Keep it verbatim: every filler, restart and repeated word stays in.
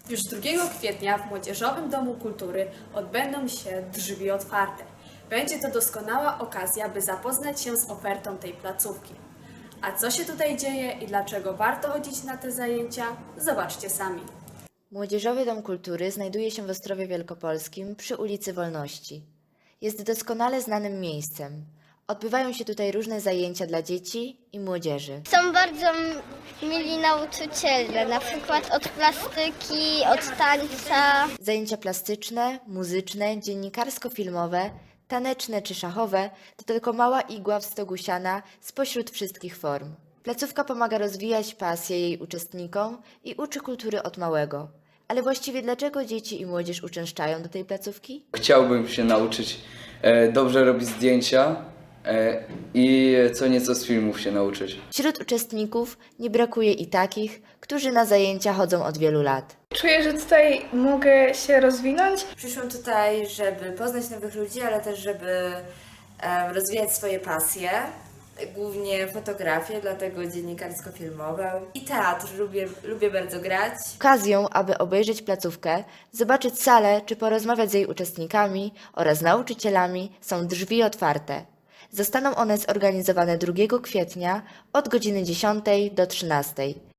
Już drugiego kwietnia w Młodzieżowym Domu Kultury odbędą się drzwi otwarte. Będzie to doskonała okazja, by zapoznać się z ofertą tej placówki. A co się tutaj dzieje i dlaczego warto chodzić na te zajęcia, zobaczcie sami. Młodzieżowy Dom Kultury znajduje się w Ostrowie Wielkopolskim przy ulicy Wolności. Jest doskonale znanym miejscem. Odbywają się tutaj różne zajęcia dla dzieci i młodzieży. Są bardzo mili nauczyciele, na przykład od plastyki, od tańca. Zajęcia plastyczne, muzyczne, dziennikarsko-filmowe, taneczne czy szachowe to tylko mała igła w stogu siana spośród wszystkich form. Placówka pomaga rozwijać pasję jej uczestnikom i uczy kultury od małego. Ale właściwie dlaczego dzieci i młodzież uczęszczają do tej placówki? Chciałbym się nauczyć e, dobrze robić zdjęcia e, i co nieco z filmów się nauczyć. Wśród uczestników nie brakuje i takich, którzy na zajęcia chodzą od wielu lat. Czuję, że tutaj mogę się rozwinąć. Przyszłam tutaj, żeby poznać nowych ludzi, ale też żeby em, rozwijać swoje pasje, głównie fotografię, dlatego dziennikarsko-filmową i teatr. Lubię, lubię bardzo grać. Okazją, aby obejrzeć placówkę, zobaczyć salę czy porozmawiać z jej uczestnikami oraz nauczycielami są drzwi otwarte. Zostaną one zorganizowane drugiego kwietnia od godziny dziesiątej do trzynastej.